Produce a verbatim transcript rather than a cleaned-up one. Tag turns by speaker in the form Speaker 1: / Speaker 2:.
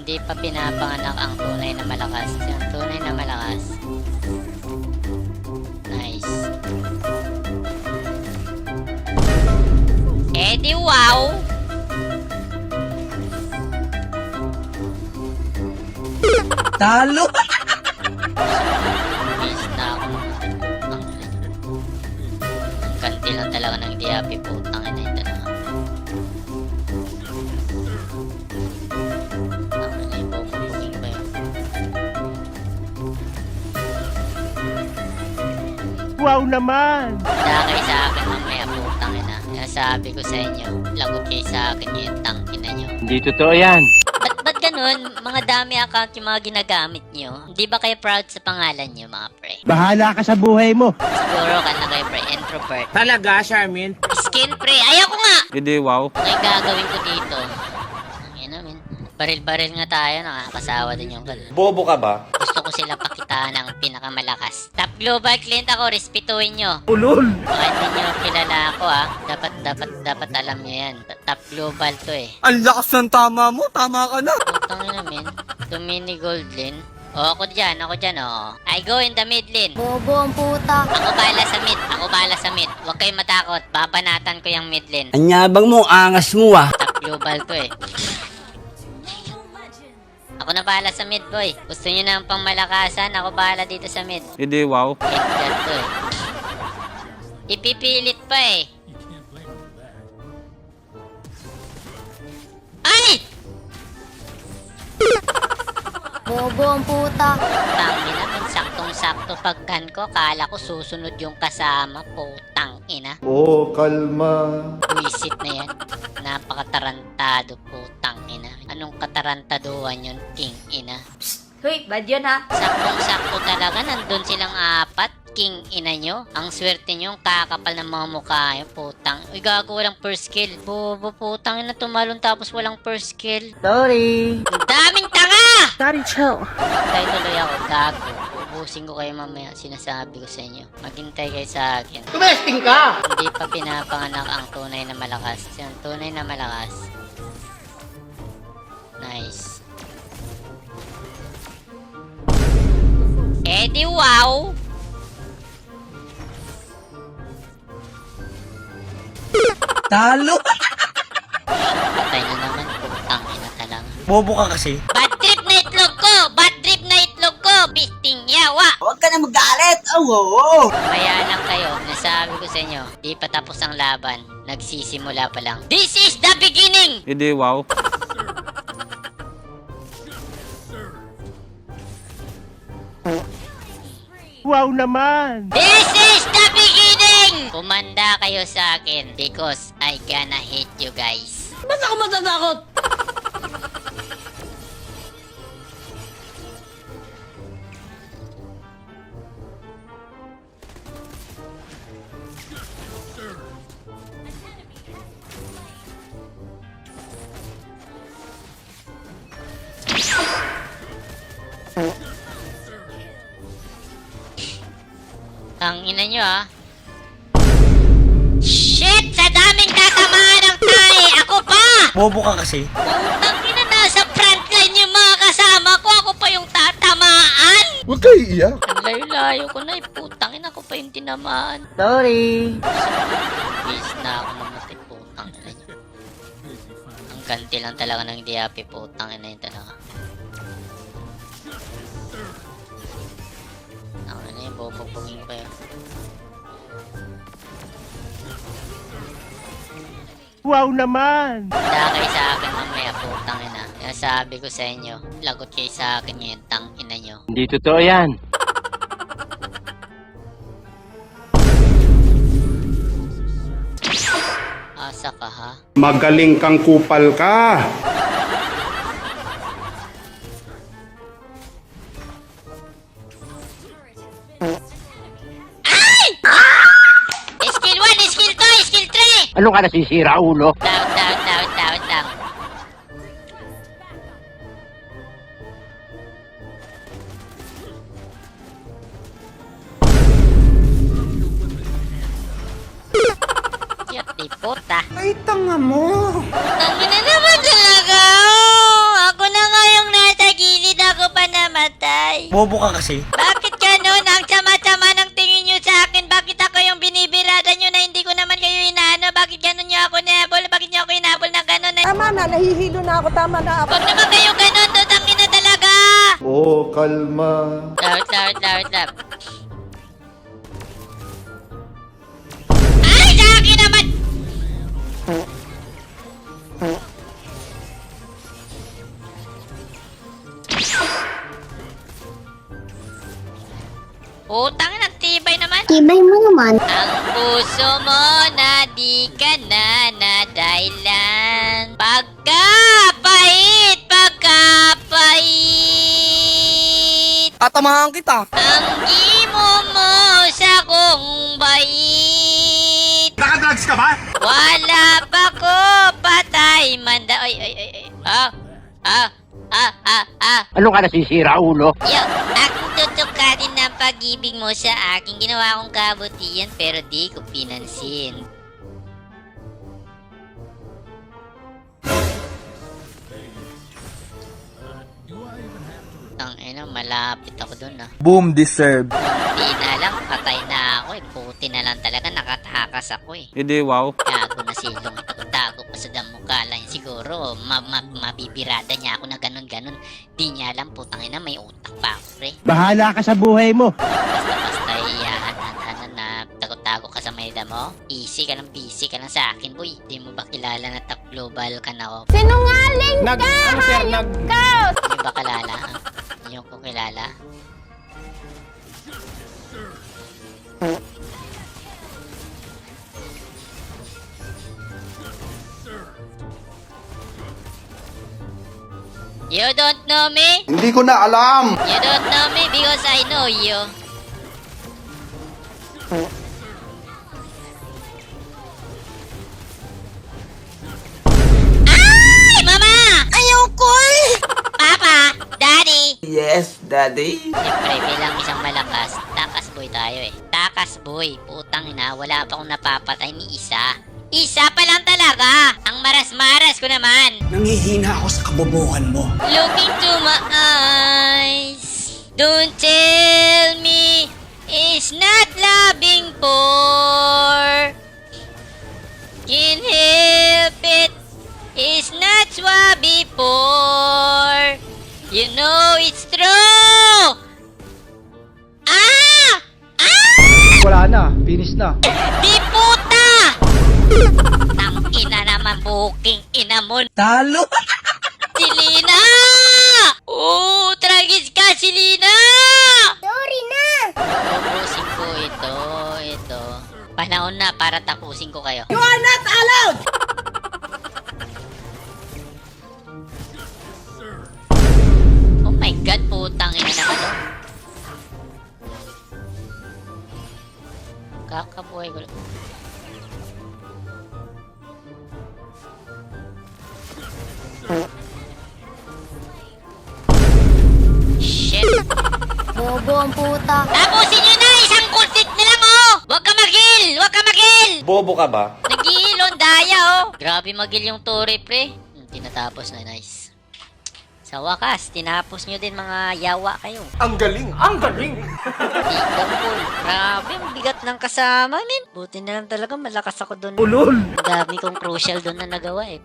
Speaker 1: Hindi pa pinapanganak ang tunay na malakas. Yung tunay na malakas. Nice. Eh di wow!
Speaker 2: Talo!
Speaker 1: Miss na ako. Ang ang kanti lang talaga ng diapi, putang ina yung dalawa. Ang ina yung bumubuging ba yun?
Speaker 3: Wow naman!
Speaker 1: Dakay sa akin mamaya, putang ina. Kaya sabi ko sa inyo, lagot kayo sa akin yung tang ina nyo.
Speaker 3: Hindi totoo yan.
Speaker 1: Ba't, ba't ganun? Mga dami account yung mga ginagamit nyo. Hindi ba kayo proud sa pangalan nyo, mga pre?
Speaker 3: Bahala ka sa buhay mo.
Speaker 1: Siguro ka na kayo, pre. Introvert.
Speaker 3: Talaga, Charmin?
Speaker 1: Skin, pre. Ayaw ko nga!
Speaker 3: Hindi, wow.
Speaker 1: Ano yung gagawin ko dito? Ang ina, min. Baril-baril nga tayo. Nakakasawa din yung ganun.
Speaker 2: Bobo ka ba?
Speaker 1: Gusto ko sila pakitaan ng pinakamalakas. Top global client ako. Respetuhin nyo.
Speaker 3: Ulol!
Speaker 1: Baka hindi nyo kilala ako, ah. Dapat, dapat, dapat alam nyo yan. Top global to, eh.
Speaker 2: Ang lakas ng tama mo, tama ka na.
Speaker 1: Putang ina, min. Tumini gold lane. O, ako dyan, ako dyan, o. I go in the mid lane.
Speaker 4: Bobo ang puta.
Speaker 1: Ako bala sa mid, ako bala sa mid. Huwag kayong matakot, babanatan ko yung mid lane.
Speaker 2: Anyabang mo, angas mo ah.
Speaker 1: Top global to eh. Ako na bala sa mid, boy. Gusto nyo na pang malakasan, ako bala dito sa mid.
Speaker 3: Hindi, wow.
Speaker 1: Edgar to eh. Ipipilit pa eh. Ay!
Speaker 4: Bobo ang puta.
Speaker 1: Tangin na, min. Saktong-sakto pagkan ko. Kala ko susunod yung kasama. Putang ina.
Speaker 5: Oh, kalma.
Speaker 1: Buisit na yan. Napakatarantado, putang ina. Anong katarantaduhan yun, king ina?
Speaker 4: Hoy, bad yun ha.
Speaker 1: Saktong-sakto talaga, nandun silang apat. King ina nyo. Ang swerte nyo, ang kakapal ng mga mukha nyo, putang. Uy, gago, walang first kill. Bobo, putang ina, tumalon tapos walang first kill.
Speaker 2: Sorry.
Speaker 1: Ang daming tanga!
Speaker 4: Daddy, chill.
Speaker 1: Hintay tuloy ako, gago. Ubusin ko kayo mamaya, sinasabi ko sa inyo. Maghintay kayo sa akin.
Speaker 2: Tumesting ka!
Speaker 1: Hindi pa pinapanganak ang tunay na malakas. Yung tunay na malakas. Nice. Eh di wow!
Speaker 2: Talo!
Speaker 1: Patay na naman, putang ina talaga.
Speaker 2: Bobo ka kasi.
Speaker 1: Bad trip na itlog ko! Bad trip na itlog ko! Bisting yawa!
Speaker 2: Huwag ka na magalit! Oh, oo!
Speaker 1: Maya lang kayo, nasabi ko sa inyo, di pa tapos ang laban, nagsisimula pa lang. This is the beginning!
Speaker 3: Hindi, wow. Wow naman!
Speaker 1: This is the beginning! Kumanda kayo sa akin because I gonna hit you guys.
Speaker 2: Ba't ako matatakot?
Speaker 1: Ang ina nyo ah. Shit! Sa daming tatamaan ng tae! Ako pa!
Speaker 2: Bobo ka kasi.
Speaker 1: Putang ina, nasa frontline yung mga kasama ko. Ako pa yung tatamaan!
Speaker 5: Huwag kayo iiyak.
Speaker 1: Ang layo-layo ko na eh. Putang ina, ako pa yung tinamaan.
Speaker 2: Sorry.
Speaker 1: Bis na ako namatay. Putang ina nyo. Ang ganti lang talaga ng diapi. Putang ina yun talaga. Ang ina yung bubugin ko yun.
Speaker 3: Wow naman!
Speaker 1: Dakay sa akin mamaya, putang ina. Kaya sabi ko sa inyo, lagot kayo sa akin yung tang ina nyo.
Speaker 3: Hindi totoo yan.
Speaker 1: Asa ka ha?
Speaker 5: Magaling kang kupal ka.
Speaker 1: Skill one, skill two, skill three!
Speaker 3: Ano ka nasisira, ulo?
Speaker 1: Down, down, down, down, down. Cute ni puta.
Speaker 2: Ay, tanga mo.
Speaker 1: Tangin na naman talaga! Ako na nga yung
Speaker 2: Bobo ka kasi.
Speaker 1: Bakit ganun? Ang sama-sama ng tingin nyo sa akin. Bakit ako yung binibirada nyo na hindi ko naman kayo inaano? Bakit ganun nyo ako inabol? Bakit nyo ako inabol na ganun?
Speaker 6: Tama na, nahihilo na ako, tama na ako.
Speaker 1: Huwag naman kayo ganun. Tutangin na talaga.
Speaker 5: Oh, kalma.
Speaker 1: Lord, Lord, Lord, Lord. Ay, sa akin naman! Utang ng tibay naman.
Speaker 4: Tibay mo naman.
Speaker 1: Ang puso mo na di ka na na dahilan. Pagkapait, pagkapait.
Speaker 2: Tatamahan kita.
Speaker 1: Ang imo mo sa kong bait.
Speaker 5: Nakadrugs ka ba?
Speaker 1: Wala pa ko patay manda. Ay, ay, ay, ay. Ah, ah, ah, ah, ah.
Speaker 3: Ano ka nasisira, ulo?
Speaker 1: Yo, akong tutukatin ng pag-ibig mo sa akin. Ginawa kong kabutihan pero di ko pinansin. Ang ina, malapit ako dun ah.
Speaker 2: Boom deserve.
Speaker 1: Hindi na lang, patay na ako eh. Puti na lang talaga, nakatakas ako eh.
Speaker 2: Hindi, wow.
Speaker 1: Gago na silong ito. Tago pa sa damo lang siguro. Ma ma mabibirada niya ako na ganun-ganun. Di niya alam, putang ina, may utak pa ako, pre.
Speaker 3: Bahala ka sa buhay mo.
Speaker 1: Basta-basta iyahan na, na, na, tago-tago ka sa may damo. Easy ka lang, busy ka lang sa akin, boy. Di mo ba kilala na top global ka na ako?
Speaker 6: Sinungaling
Speaker 2: Nag, ano sir, nag...
Speaker 6: ka!
Speaker 1: Di mo ba kilala? Hindi ko kilala. You don't know me?
Speaker 5: Hindi ko na alam.
Speaker 1: You don't know me because I know you. Ay! Mama!
Speaker 6: Ayoko eh!
Speaker 1: Papa! Daddy!
Speaker 2: Yes, daddy.
Speaker 1: Siyempre, bilang isang malakas, takas boy tayo eh. Takas boy. Putang ina, wala pa akong napapatay ni isa. Isa pa lang talaga! Ang maras-maras ko naman!
Speaker 2: Nangihina ako sa kabobohan mo.
Speaker 1: Look into my eyes. Don't tell me it's not loving for. Can't help it. It's not what before. You know it's true. Ah! Ah!
Speaker 2: Wala na, finish na.
Speaker 1: Di puta! Tang ina naman buking ina mo.
Speaker 2: Talo.
Speaker 1: Si Lina! Oo, tragis ka si Lina!
Speaker 4: Sorry na!
Speaker 1: Tapusin ko ito, ito. Panahon na para tapusin ko kayo.
Speaker 6: You are not allowed!
Speaker 1: Oh my god, putang ina naman. oh. Kakabuhay ko. Shit!
Speaker 4: Bobo ang puta.
Speaker 1: Tapusin nyo na! Isang kultit na lang, oh! Huwag ka mag-heal! Huwag ka mag-heal!
Speaker 5: Bobo ka ba?
Speaker 1: Nag-iilon daya, oh! Grabe mag-heal yung Tore, pre. Hmm, tinatapos na, nice. Sa wakas, tinapos nyo din mga yawa kayo.
Speaker 2: Ang galing, ang galing.
Speaker 1: Tikapol. Grabe, ang bigat ng kasama, min. Buti na lang talaga, malakas ako doon.
Speaker 2: Ulol.
Speaker 1: Ang dami kong crucial doon na nagawa, eh.